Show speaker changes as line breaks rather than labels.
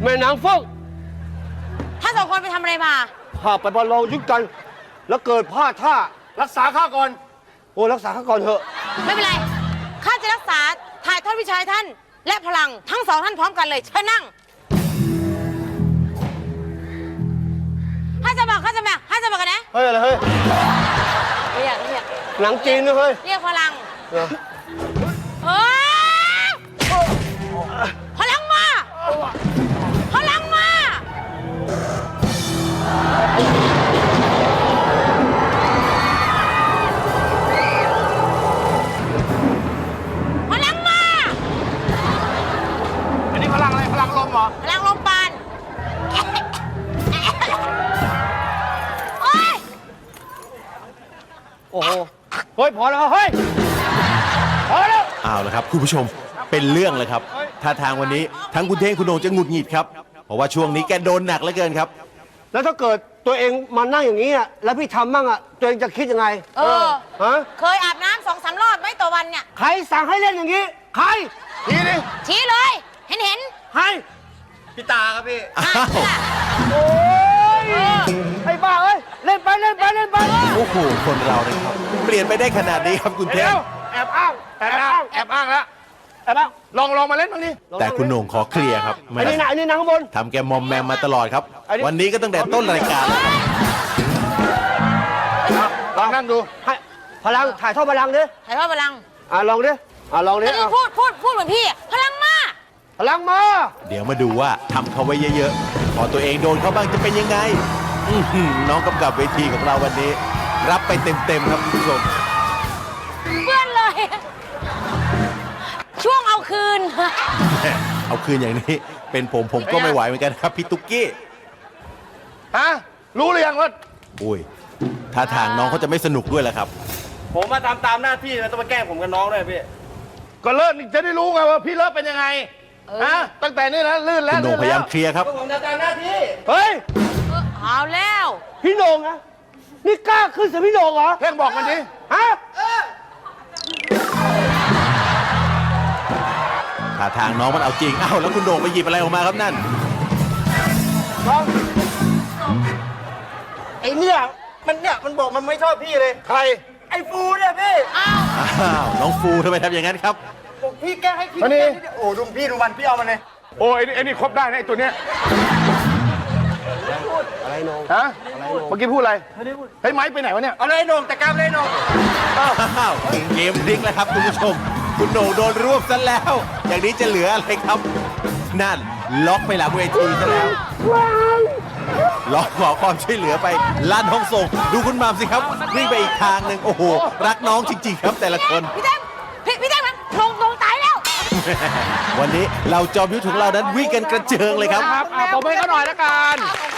แม่นางเฟิ่ง
ท่านสองคนไปทำอะไรมา
ข้าไปประลองยุทธกัน แล้วเกิดพลาดท่ารักษาข้าก่อนโอ้รักษาข้าก่อนเถอะ
ไม่เป็นไรข้าจะรักษาถ่ายทอดวิชาท่านและพลังทั้งสองท่านพร้อมกันเลยเชิญนั่งให้จะบอกกันนะ
เฮ้ยอะไรเฮ้ย
เรียก
หนังจีนนะเฮ้ย
เรียกพลังเฮ้ยพลังมาพลังมาพลังมา
อันนี้พลังอะไรพลังลมเหรอ
พลังลมปานโอ้ย
โอ้โหเฮ้ยพอแล้วเฮ้ยพอแล้ว
เอาละครับคุณผู้ชมเป็นเรื่องเลยครับท่าทางวันนี้ทั้งคุณเท่งคุณโหน่งจะหงุดหงิดครับเพราะว่าช่วงนี้แกโดนหนักเหลือเกินครับ
แล้วถ้าเกิดตัวเองมานั่งอย่างนี้อ่ะแล้วพี่ทำมั่งอ่ะตัวเองจะคิดยังไงฮะ
เคยอาบน้ำ2-3 รอบไหมต่อวันเนี่ย
ใครสั่งให้เล่นอย่างนี้ใคร
ทีนี้
ชี้เลยเห็น
ใคร
พี่ตาครับพี่
อ้าว
โอ้ยไอ้บ้าเอ้ยเล่นไป
โอ้โหคนเราเนี่ยครับเปลี่ยนไปได้ขนาดนี้ครับคุณเท่ง
แอบอ้างแล้วลองมาเล่นบ้างดิ
แต่คุณโหน่งขอเคลียร์ครับ
ไอ้นี่นะข้างบน
ทำแกมอมแมมมาตลอดครับ วันนี้ก็ตั้งแต่ต้นรายการแล้วครับ
ลองนั่งดู
ให้พลังถ่ายทอดพลังดิ
ถ่ายทอดพลัง
ลองดิลองดิ
แล้วพูดเหมือนพี่พลังมา
พลังมา
เดี๋ยวมาดูว่าทำเขาไว้เยอะๆพอตัวเองโดนเขาบ้างจะเป็นยังไงน้องกำกับเวทีของเราวันนี้ รับไปเต็มๆครับคุณผู้ชม
เพื่อนเลย ช่วงเอาคืน
เอาคืนอย่างนี้เป็นผมก็ไม่ไหวเหมือนกันครับพี่ตุ๊กกี้
ฮะรู้หรือยังว่า
อุ้ยท่าทางน้องเขาจะไม่สนุกด้วยแหละครับ
ผมมาตามหน้าที่แล้วต้องมาแกล้งผมกับน้องด้วยพี่
ก็เลิศจะได้รู้ไงว่าพี่เลิศเป็นยังไงฮะตั้งแต่นี้นะลื่นแล้ว
คุณโหน่งพยายามเคลียร์ครับ
ผมจะตามหน้าที่
เฮ้ย
เอาแล้ว
พี่โหน่งนะนี่กล้าขึ้นเสียพี่โหน่งเหรอ
เพ่งบอกมันดิ
ฮะ
ท่าทางน้องมันเอาจริงอ้าวแล้วคุณโหน่งไปหยิบอะไรออกมาครับนั่น
ไอ้เนี่ยมันบอกมันไม่ชอบพี่เลย
ใคร
ไอ้ฟูเนี่ยพี่
อ้าว
อ้าวน้องฟูทำไมทำอย่างนั้นครับ
บอกพี่แกล้งให้พี่
มานี่
โอ้ดูพี่ดูมันพี่เอามันเลย
โอ้ไอ้นี่ครบได้นะไอ้ตัวเนี้ย
อะไรโหน่ง
ฮะเมื่อกี้พูดอะไรเฮ้ยไม้ไปไหนวะเนี่ย
เอาเลยโหน่งแต่กล้ามเลยโหน่ง
อ้าวเกมพลิกแล้วครับคุณผู้ชม คุณโหน่งโดนรวบซะแล้ว อย่างนี้จะเหลืออะไรครับ นั่นล็อกไปหลังเวทีซะแล้วล็อกขอความช่วยเหลือไปลั่นห้องส่งดูคุณมามสิครับวิ่งไปอีกทางหนึ่งโอ้โห รักน้องจริงๆครับแต่ละคน
พี่แท่งมันลงตายแล้ว
วันนี้เราจอมยุทธของเรานั้นวิ่งกันกระเจิงเลยครับ
ครับผมให้เขาหน่อยละกัน
ขอบ